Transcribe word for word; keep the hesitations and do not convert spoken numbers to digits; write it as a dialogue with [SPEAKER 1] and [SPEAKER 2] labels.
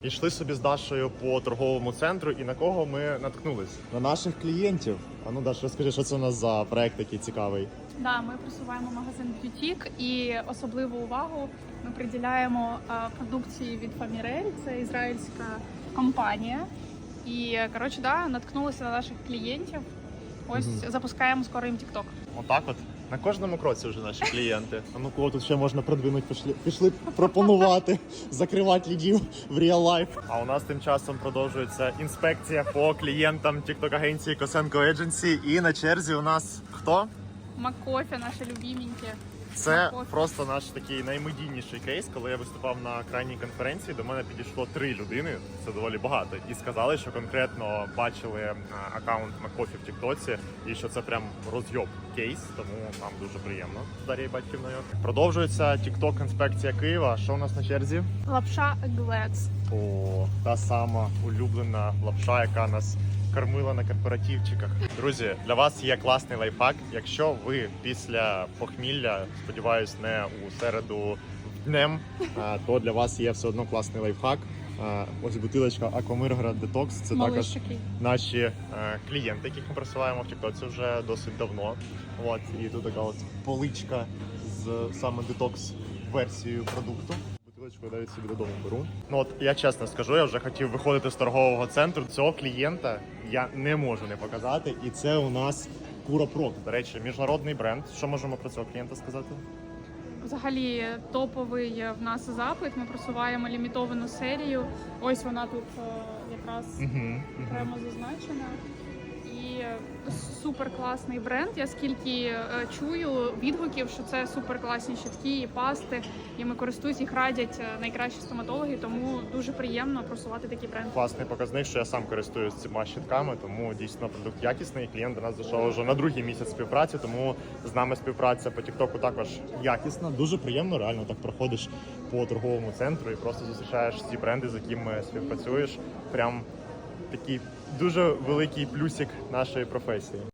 [SPEAKER 1] Йшли собі з Дашою по торговому центру, і на кого ми наткнулись? На наших клієнтів. А ну, Даш, розкажи, що це у нас за проект такий цікавий?
[SPEAKER 2] Да, ми просуваємо магазин Б'ютік і особливу увагу ми приділяємо а, продукції від Famirel, це ізраїльська компанія. І, коротше, да, наткнулися на наших клієнтів. Ось
[SPEAKER 1] Мгм.
[SPEAKER 2] запускаємо скоро їм TikTok.
[SPEAKER 1] Отак от. На кожному кроці вже наші клієнти. А ну кого тут ще можна продвинути, пішли, пішли пропонувати, закривати лідів в real life. А у нас тим часом продовжується інспекція по клієнтам TikTok-агенції Косенко Agency. І на черзі у нас хто?
[SPEAKER 2] Маккофі, наші любименькі.
[SPEAKER 1] Це
[SPEAKER 2] Маккофі.
[SPEAKER 1] просто наш такий наймедійніший кейс. Коли я виступав на крайній конференції, до мене підійшло три людини, це доволі багато, і сказали, що конкретно бачили а, аккаунт Маккофі в Тіктоці, і що це прям розйоб кейс, тому нам дуже приємно з Дар'єю Батьківною. Продовжується TikTok інспекція Києва. Що у нас на черзі?
[SPEAKER 2] Лапша Глец.
[SPEAKER 1] О, та сама улюблена лапша, яка нас кормила на корпоративчиках. Друзі, для вас є класний лайфхак. Якщо ви після похмілля, сподіваюсь, не у середу днем, а, то для вас є все одно класний лайфхак. А, Ось бутилочка Аквамирград Detox. Це також
[SPEAKER 2] Малишики.
[SPEAKER 1] наші е, клієнти, яких ми просуваємо в TikTok вже досить давно. От, і тут така от поличка з саме детокс версією продукту. Бутилочку я навіть собі додому беру. Ну от я чесно скажу, я вже хотів виходити з торгового центру. Цього клієнта я не можу не показати. І це у нас Куропрок. До речі, міжнародний бренд. Що можемо про цього клієнта сказати?
[SPEAKER 2] Взагалі топовий в нас запит. Ми просуваємо лімітовану серію. Ось вона тут е, якраз
[SPEAKER 1] Угу,
[SPEAKER 2] окремо зазначена. І супер класний бренд. Я скільки е, чую відгуків, що це супер класні щітки і пасти. І ми користуюсь, їх радять е, найкращі стоматологи, тому дуже приємно просувати такий бренд.
[SPEAKER 1] Класний показник, що я сам користуюсь цими щитками, тому дійсно продукт якісний. Клієнт до нас зайшов вже на другий місяць співпраці, тому з нами співпраця по Тіктоку також якісна. Дуже приємно, реально так проходиш по торговому центру і просто зустрічаєш ці бренди, з якими співпрацюєш. Прям такий дуже великий плюсик нашої професії.